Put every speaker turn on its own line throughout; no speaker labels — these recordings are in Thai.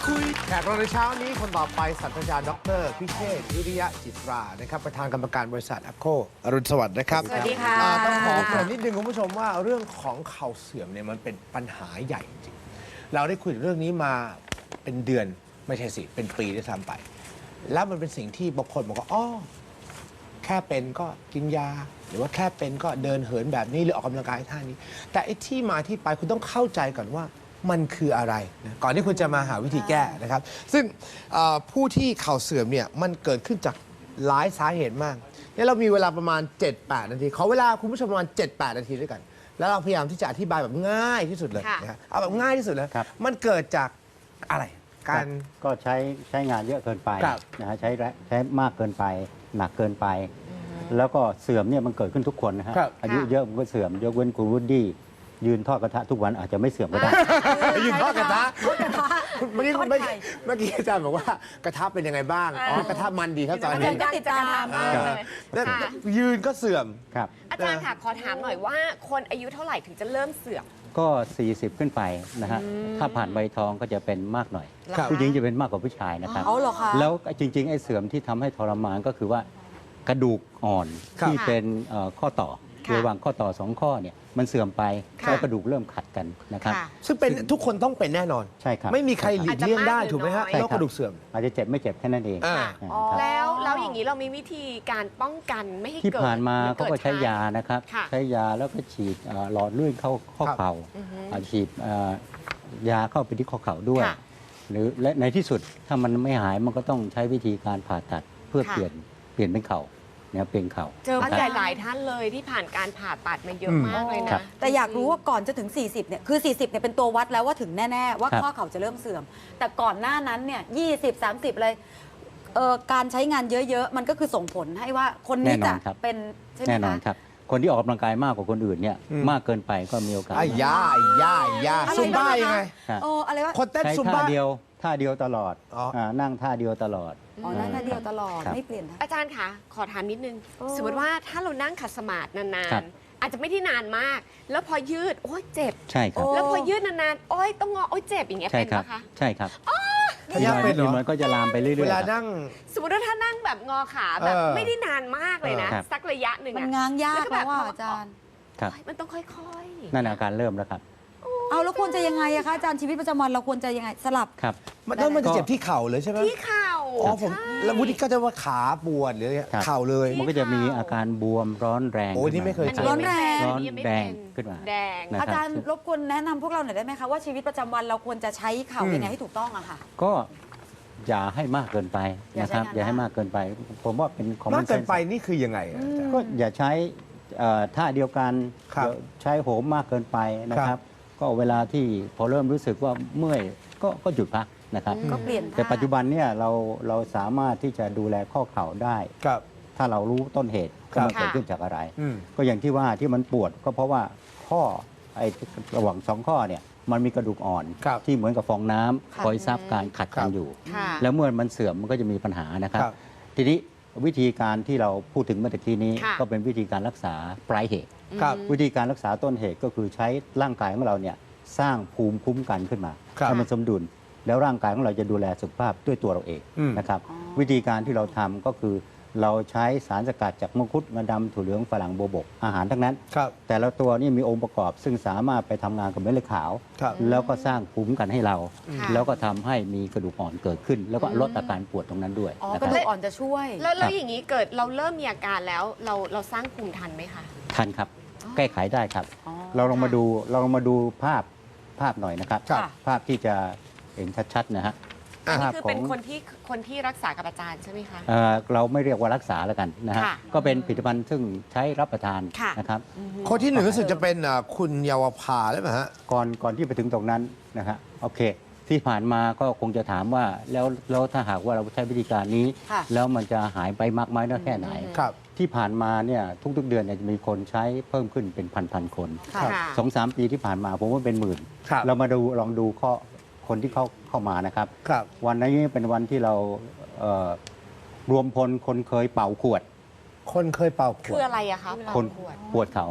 แขกรับในเช้านี้คนต่อไปศาสตราจารย์ดร.พิเชษฐ์วิริยะจิตรานะครับประธานกรรมการบริษัทแอคโคอรุณสวัสดิ์นะครับ
สวัสดีค่ะ
ต้องขอเกริ่นนิดนึงคุณผู้ชมว่าเรื่องของเข่าเสื่อมเนี่ยมันเป็นปัญหาใหญ่จริงๆเราได้คุยเรื่องนี้มาเป็นเดือนไม่ใช่สิเป็นปีด้วยซ้ำไปแล้วมันเป็นสิ่งที่บางคนบอกว่าอ๋อแค่เป็นก็กินยาหรือว่าแค่เป็นก็เดินเหินแบบนี้หรือออกกำลังกายท่านี้แต่ไอ้ที่มาที่ไปคุณต้องเข้าใจก่อนว่ามันคืออะไรนะก่อนที่คุณจะมาหาวิธีแก้นะครับซึ่งผู้ที่เข่าเสื่อมเนี่ยมันเกิดขึ้นจากหลายสาเหตุมากเนี่ยเรามีเวลาประมาณ 7-8 นาทีขอเวลาคุณผู้ชมประมาณ 7-8 นาทีด้วยกันแล้วเราพยายามที่จะอธิบายแบบง่ายที่สุดเลยนะครับเอาแบบง่ายที่สุดเลยมันเกิดจากอะไรการ
ก็ใช้งานเยอะเกินไปนะฮะใช้มากเกินไปหนักเกินไป แล้วก็เสื่อมเนี่ยมันเกิดขึ้นทุกคนนะฮะอายุเยอะมันก็เสื่อมยกเว้นคุณวูดดี้ยืนทอดกระทะทุกวันอาจจะไม่เสื่อมก็ได้
ยืนทอดกระทะเมื่อกี้อาจารย์บอกว่ากระทะเป็นยังไงบ้างอ๋อกระทะมันดีครับตอนนี้
ก็ติดตามมากเลย
แล้วยืนก็เสื่อม
ครับ
อาจารย์ค่ะขอถามหน่อยว่าคนอายุเท่าไหร่ถึงจะเริ่มเสื่อม
ก็ 40 ขึ้นไปนะฮะถ้าผ่านใบทองก็จะเป็นมากหน่อย
ครับ
ผู้หญิงจะเป็นมากกว่าผู้ชายนะครับ
เอาเหรอคะ
แล้วจริงๆไอ้เสื่อมที่ทำให้ทรมานก็คือว่ากระดูกอ่อนที่เป็นข้อต่อระหว่างข้อต่อ2ข้อเนี่ยมันเสื่อมไปแล้วกระดูกเริ่มขัดกันนะครับ
ซึ่งเป็นทุกคนต้องเป็นแน่นอน
ใช่ครับ
ไม่มีใครหลีกเลี่ยงได้ถูกไหมฮะ
ใช่
โร
ค
คกระดูกเสื่อม
อาจจะเจ็บไม่เจ็บแค่นั้นเอง
อ่า
ครับ
แล้วอย่างนี้เรามีวิธีการป้องกันไม่ให้
ที่
เกิด
ผ่านมา
หรือ
เขาก็ใช้ยานะครับ
ค่ะ
ใช้ยาแล้วก็ฉีดหลอดเลือดเข้าข้อเข่าฉีดยาเข้าไปที่ข้อเข่าด้วย
ค่ะ
หรือและในที่สุดถ้ามันไม่หายมันก็ต้องใช้วิธีการผ่าตัดเพื่อ
ค่ะ
เปลี่ยนเป็นเข่าเนี่ยเปลี่ยนเข่า
เจอ
นะ
ผู้
ค
ให
รั
ญ่
บ
หลายท่านเลยที่ผ่านการผ่าตัดมาเยอะมากเลย
ครั
นะ
บ
แต่อยากรู้ว่าก่อนจะถึง 40 เนี่ย คือ 40 เนี่ย เป็นตัววัดแล้วว่าถึงแน่ ๆ ว่า
ครับ
ข้อเข่าจะเริ่มเสื่อม แต่ก่อนหน้านั้น เนี่ย 20 30 เลย การใช้งานเยอะ ๆ มันก็คือส่งผลให้ว่าคนนี้จะเป็นใช่ไหม
แน่นอน
คะ
ครับ คนที่ออกกำลังกายมากกว่าคนอื่นเนี่ยมากเกินไปก็มีโอกาส
ไอ้ยาซุมบ้ายังไง
ครับ
อะไรวะ
คนเต้น
ใช้
ซุม
ท่า
บ้า
เดียวตลอด
อ๋ออ่
นั่งท่าเดียวตลอด
อ๋อนั่นท่าเดียวตลอด
ครับ
ไม่เปลี่ยนท่า
อาจารย์คะขอถามนิดนึง สมมติว่าถ้าเรานั่งขัดสมาธินา
ครั
น
บ
ๆอาจจะไม่ได้นานมาก แล้วพอยืดโอ้ยเจ็บ
ใช่ครับ
แล้วพอยืดนานๆโอ้ยต้องงอโอ้ยเจ็บอย่างเงี้ย
ใช่
เป็น
ครับ
ปะคะ
ใช่ครับ
พยาเป็นเหรอ
มันก็จะลามไปเรื่อยๆ
เวลา
ครับ
นั่ง
สมมติว่าถ้านั่งแบบงอขาแบบ ไม่ได้นานมากเลยนะ
ครับ
สักระยะหนึ่ง
มัน
อะ
ง้างยาก
แล้วก็แบบ
แล้วว่าอาจารย์
ครับ
โอ๊ยมันต้องค่อย
นั่นอาการเริ่มแล้วครับ
เอาแล้วควรจะยังไงอะคะอาจารย์ชีวิตประจำวันเราควรจะยังไงสลับ
ครับ
มันจะเจ็บที่เข่าเลยใช่ไหม
ๆที่เข่า
อ๋อผม
ใช่
แล้ววุฒิก็จะว่าขาปวดหรืออะไร
ครับ
เข่าเลย
มันก็จะมีอาการบวมร้อนแรง
โอ้ยนี่ไม่เคยเจอ
ร้อนแรง
อันนี้ยังไม่เป็น
ขึ้นมา
แดง
นะ
อาจารย์รบกวนแนะนำพวกเราหน่อยได้ไหมคะว่าชีวิตประจำวันเราควรจะใช้เข่ายังไงให้ถูกต้องอะค่ะ
ก็อย่าให้มากเกินไปนะครับ
อา
อย่ย่า
ใช้งาน
ให้มากเกินไป ผมว่าเป็นคอมม
มา
อก นเซ
เกิน
นส์
ไปนี่คือยังไงอะอาจารย์
ก็อย่าใช้ท่าเดียวกัน
ครับ
ใช้โหมมากเกินไปนะค
ครั
รับ
บ
ก็เวลาที่พอเริ่มรู้สึกว่าเมื่อยก็หยุดพักนะครับ
ก็เปลี่ยน
แต่
ท่า
ปัจจุบันเนี่ยเราสามารถที่จะดูแลข้อเข่าได้
ครับ
ถ้าเรารู้ต้นเหตุ
ครั
ว่า
บ
มันเกิดขึ้นจากอะไร
อืม
ก็อย่างที่ว่าที่มันปวดก็เพราะว่าข้อไอ้ระหว่างสองข้อเนี่ยมันมีกระดูกอ่อน
ครับ
ที่เหมือนกับฟองน้ำ
ค่ะ
คอยซับการขัด
ครั
กับ นอยู่
ค่ะ
แล้วเมื่อมันเสื่อมมันก็จะมีปัญหานะครับ
ครับ
ทีนี้วิธีการที่เราพูดถึงเมื่อตะกี้นี้
ค่ะ
ก็เป็นวิธีการรักษาปลายเหตุ
ครับ
วิธีการรักษาต้นเหตุก็คือใช้ร่างกายของเราเนี่ยสร้างภูมิคุ้มกันขึ้นมา
ครับ
ให้มันสมดุล แล้วร่างกายของเราจะดูแลสุขภาพด้วยตัวเราเอง
อืม
นะครับ วิธีการที่เราทำก็คือเราใช้สารสกัดจากมังคุดงาดำถั่วเหลืองฝรั่งโบวบกอาหารทั้งนั้น
ครับ
แต่ละตัวนี่มีองค์ประกอบซึ่งสามารถไปทำงานกับเม็ดเลือดขาว
ครับ
แล้วก็สร้างภูมิคุ้มกันให้เรา
ค่ะ
แล้วก็ทำให้มีกระดูกอ่อนเกิดขึ้น แล้วก็ลดอาการปวดตรงนั้นด้วย
อ๋อ
นะ
ก
ค
ระ
รับ
ดูกอ่อนจะช่วย
แล้วอย่างนี้เกิดเราเริ่มมีอาการแล้วเราสร้างภูมิทันไหมคะ
ทันครับ แก้ไขได้ครับ
อ๋อ
เราลองมาดูภาพหน่อยนะครับ
ครับ
ภาพที่จะเห็นชัดๆนะฮะ
อ่ะ
ภาพ
คือ
ขอ
เป็น
ง
คนที่รักษากับอาจารย์ใช่ไหมคะ
เราไม่เรียกว่ารักษาแล้วกันนะฮะ
ค่ะ
ก็เป็นผลิตภัณฑ์ซึ่งใช้รับประทาน
ค่ะ
นะครับ
คนที่หนึ่งรู้สึกจะเป็นคุณเยาวภาได้ไหมฮะ
ก่อนที่ไปถึงตรงนั้นนะฮะโอเค ที่ผ่านมาก็คงจะถามว่าแล้วถ้าหากว่าเราใช้วิธีการนี้
ค่ะ
แล้วมันจะหายไปมากไหมน้อยแค่ไหน
ครับ
ที่ผ่านมาเนี่ยทุกๆเดือนเนี่ยจะมีคนใช้เพิ่มขึ้นเป็นพันคน
ค่ะ
ครับ
สองสามปีที่ผ่านมาผมว่าเป็นหมื่น
ครับ
เรามาลองดูคนที่เข้ามานะครับ
ครับ
วันนี้เป็นวันที่เรารวมพลคนเคยเป่าขวด
คนเคยเป่าข
คื
ว
อ
ด
อะไรอะคะ
คน
ขวด
ปวดเข่าไงครับ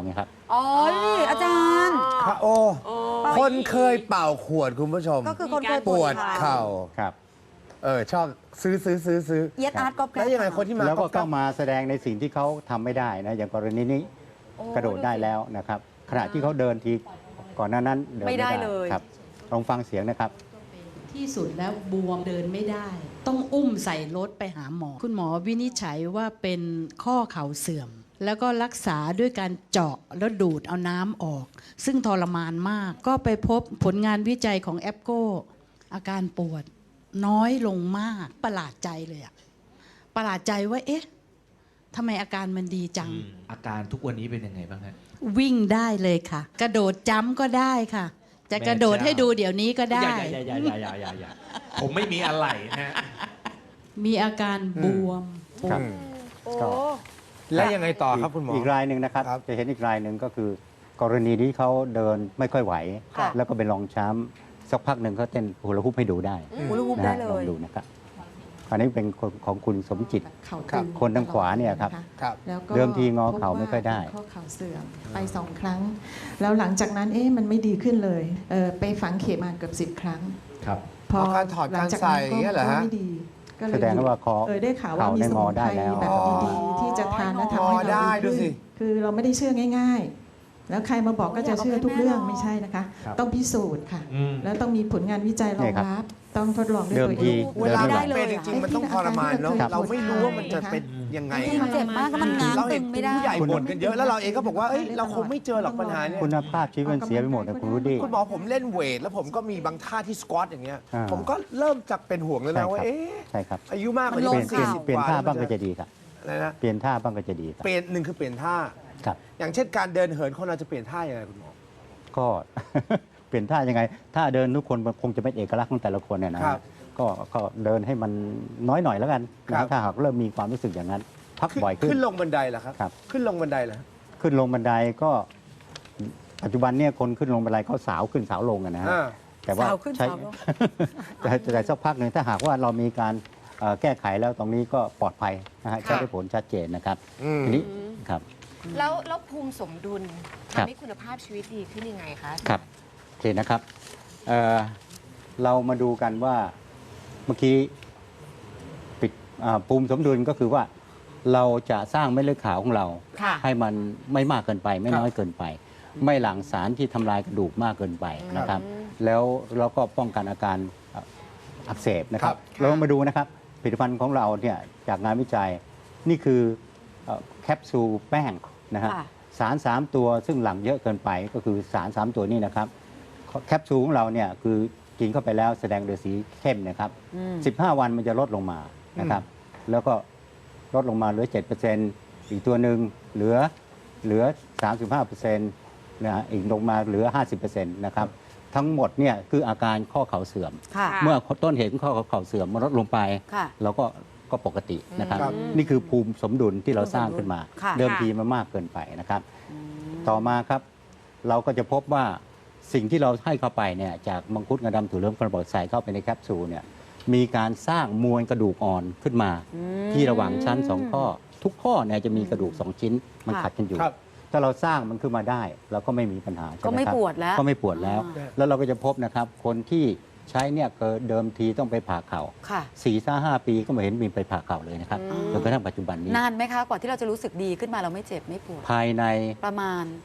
อ๋อนี่อาจารย์
พระโอ คนเคยเป่าขวดคุณผู้ชม
ก็คือคนเคย
ปวดเข่า
ครับ
ชอบซื้อ
เอียดอาร์ตก็แก
แล้วยังไงคนที่มา
แล้วก็
ก๊
เข้า
อบ
มาแสดงในสิ่งที่เขาทำไม่ได้นะอย่างกรณีนี้กระโดดได้แล้วนะครับขณะที่เขาเดินทีก่อนหน้านั้นเดิน
ไม่ได้เลย
ครับลองฟังเสียงนะครับ
ที่สุดแล้วบวมเดินไม่ได้ ต้องอุ้มใส่รถไปหาหมอ คุณหมอวินิจฉัยว่าเป็นข้อเข่าเสื่อม แล้วก็รักษาด้วยการเจาะแล้วดูดเอาน้ำออก ซึ่งทรมานมาก ก็ไปพบผลงานวิจัยของแอปโกอาการปวดน้อยลงมากประหลาดใจเลยอะประหลาดใจว่าเอ๊ะทำไมอาการมันดีจัง
อาการทุกวันนี้เป็นยังไงบ้างฮะ
วิ่งได้เลยค่ะ กระโดดจ้ำก็ได้ค่ะ จะกระโดดให้ดูเดี๋ยวนี้ก็ได้
อย่าผมไม่มีอะไรนะฮะ
มีอาการบวมปว
ครั
ด
บ
โอ้
ก็
แล้วยังไงต่อครับคุณหมอ
อีกรายหนึ่งนะครับ
ครับ
จะเห็นอีกรายหนึ่งก็คือ กรณีที่เขาเดินไม่ค่อยไหว
ค่ะ
แล้วก็เป็นรองช้ำสักพักหนึ่งเขาเต้นฮูลาฮูปให้ดูได้
ฮูลาฮูป
นะ
ได้
ฮะ
เล
ลอง
ย
ดูนะครับอันนี้เป็นของคุณสมจิต
เข่า
ครั
ตึ
บ
ง
คนทางขวาเนี่ยครับ
ะะ
ครับ
แล้วก็
เดิมทีงอเข่าไม่ค่อยได้
พบว่าข้อเข่าเสื่อมไป2 ครั้ง แล้วหลังจากนั้นมันไม่ดีขึ้นเลยไปฝังเข็มมาเกือบ10 ครั้ง
ครับ
พอ
การถอด
หลั
การ
จาก
ใส่
นั้น
อย่างเงี้ยเหรอฮะ
ก็ไม่ดีก็เลย
แสดงว่าคอ
ได้ข่าวว่า
เข่า
มี
ได้
ส
ง
มุ
อน ได้
ไพร
แล้ว
แบบดีๆที่จะทานและทำให้
งอได้
เรา
ดูสิ
คือเราไม่ได้เชื่อง่าย ๆ แล้วใครมาบอกก็จะเชื่อทุกเรื่อง
อยากเอาให้แม่ลอง
ไม่ใช่นะคะ
ครับ
ต้องพิสูจน์ค่ะ
อืม
แล้วต้องมีผลงานวิจัยรองรับ ต้องทดลองด้วย
เดิม
ตัว
ที
เอง
เวลา
เดิน
มัน
ไม่ไหว
เป็นจริงๆมันต้องทรมานเนาะ
ครับ
เราไม่รู้ว่ามันจะเป็นยังไง
มันเจ็บมากก็มันง้าง
เรา
ตึ
เห็น
งไม่ได้
ผู้ใหญ่บ่นกันเยอะแล้วเราเองก็บอกว่าเอ้ยเราคงไม่เจอหรอกปัญหาเนี่ย
คุณภาพชีวิตมันเสียไปหมดนะคุณรุดี้
คุณหมอผมเล่นเวท แล้วผมก็มีบางท่าที่สควอตอย่างเงี้ย
อ่า
ผมก็เริ่มจากเป็นห่วงแล้วนะว่า
ใช่ครับ
อายุมากกว่า
มันล
เป
ง
ลี่ยนเปลี่ยน
ข่าว
เปลี่ยนท่าบ้างก็จะดีครับ
อะไรนะ
เปลี่ยนท่าบ้างก็จะดีครับ
เปลี่ยนหนึ่งคือเปลี่ยนท่า
ครับ
อย่างเช่นการเดินเหินคนเราจะเปลี่ยนท่ายังไงคุณหมอ
ก็ เปลี่ยนท่ายังไงท่าเดินทุกคนมันคงจะเป็นเอกลักษณ์ของแต่ละคนเนี่ยนะครับ ก็เดินให้มันน้อยหน่อยแล้วกัน
ครับ
นะถ้าหากเริ่มมีความรู้สึกอย่างนั้น พักบ่อยขึ้
ขึ้
น
นลงบันไดเหรอครับ
ครับ
ขึ้นลงบันไดเหรอ
ขึ้นลงบันไดก็ ปัจจุบันเนี่ยคนขึ้นลงบันไดเขาสาวขึ้นสาวลงอะนะฮะ
อ่า
แต่ว่า
สาวขึ้น
ใช้
สาวลง
แต่สักพักหนึ่งถ้าหากว่าเรามีการแก้ไขแล้วตรงนี้ก็ปลอดภัยนะฮะ
ค่ะ
ใช้ได้ผลชัดเจนนะครับ
อืม
ทีนี้ครับ
แล้วภูมิสมดุล
ครับ
ทำให้คุณภาพชีวิตดีขึ้นยังไงคะ
ครับโอเคนะครับเอ่อเรามาดูกันว่าเมื่อกี้ปิดภูมิสมดุลก็คือว่าเราจะสร้างเม็ดเลือดขาวของเรา
ค่ะ
ให้มันไม่มากเกินไป ไม่
ครับ
น้อยเกินไป ไม่หลั่งสารที่ทำลายกระดูกมากเกินไปนะครับ
อืม
แล้วเราก็ป้องกันอาการอักเสบนะครับ
ครับ
เรามาดูนะครับผลิตภัณฑ์ของเราเนี่ยจากงานวิจัยนี่คือแคปซูลแป้งนะฮะ
ค่ะ
สาร 3 ตัวซึ่งหลั่งเยอะเกินไปก็คือสาร 3 ตัวนี้นะครับแคปซูลของเราเนี่ยคือกินเข้าไปแล้วแสดงโดยสีเข้มนะครับ
อืม
15 วันมันจะลดลงมานะครับ แล้วก็ลดลงมาเหลือ 7%อีกตัวหนึ่งเหลือ 35%นะฮะอีกลงมาเหลือ 50%นะครับ ทั้งหมดเนี่ยคืออาการข้อเข่าเสื่อม
ค่ะ
เมื่อต้นเหตุของข้อเข่าเสื่อมมันลดลงไป
ค่ะ
เราก็ปกตินะครับ
ครับ
นี่คือภูมิสมดุลที่เราสร้างขึ้นมา
ค่ะ
เดิมทีมันมากเกินไปนะครับ ต่อมาครับ เราก็จะพบว่าสิ่งที่เราให้เข้าไปเนี่ยจากมังคุดงาดำถั่วเหลืองกระบอกใส่เข้าไปในแคปซูลเนี่ยมีการสร้างมวลกระดูกอ่อนขึ้นมา ที่ระหว่างชั้น 2 ข้อ ทุกข้อเนี่ยจะมีกระดูก 2 ชิ้นมัน
ค่ะ
ขัดกันอยู่
ครับ
ถ้าเราสร้างมันขึ้นมาได้เราก็ไม่มีปัญหาใช่
ก็
ไหม
ไม่
ครับ
ปวดแล้ว
ก็ไม่ปวดแล้ว
อ่า
แล้วเราก็จะพบนะครับคนที่ใช้เนี่ยเดิมทีต้องไปผ่าเข่า
ค่ะ
4-5 ปีก็ไม่เห็นมีไปผ่าเข่าเลยนะครับ
อืม
จนกระทั่งปัจจุบันนี้
นานไหมคะ กว่าที่เราจะรู้สึกดีขึ้นมาเราไม่เจ็บไม่ปวด
ภายใน
ประมาณ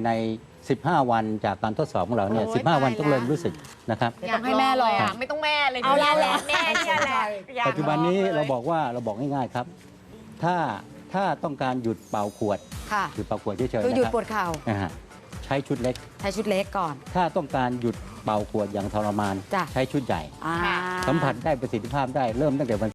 15 วันจากการทดสอบของเราเนี่ย
โอ้ย
15 วัน
ตาย
ต้องเริ่ม
แล้ว
รู้สึกนะครับ
เดี๋ยวต้องให้แม่ลอง
ยากไม่ต้องแม่เลย
เอาละแหละ
แม่เนี่ยแหละอยาก
ปัจจุบันนี้
ลองลย
เราบอกง่ายๆครับ ถ้าต้องการหยุดเป่าขวด
ค่ะ
หยุดเป่าขวดเฉยๆ
คือ
นะ
หยุด
ครับ
ปวดเข่า
นะฮะใช้ชุดเล็ก
ใช้ชุดเล็กก่อน
ถ้าต้องการหยุดเป่าขวดอย่างทรมาน
จ้ะ
ใช้ชุดใหญ่
อ่า
สัมผัสได้ประสิทธิภาพได้เริ่มตั้งแต่วัน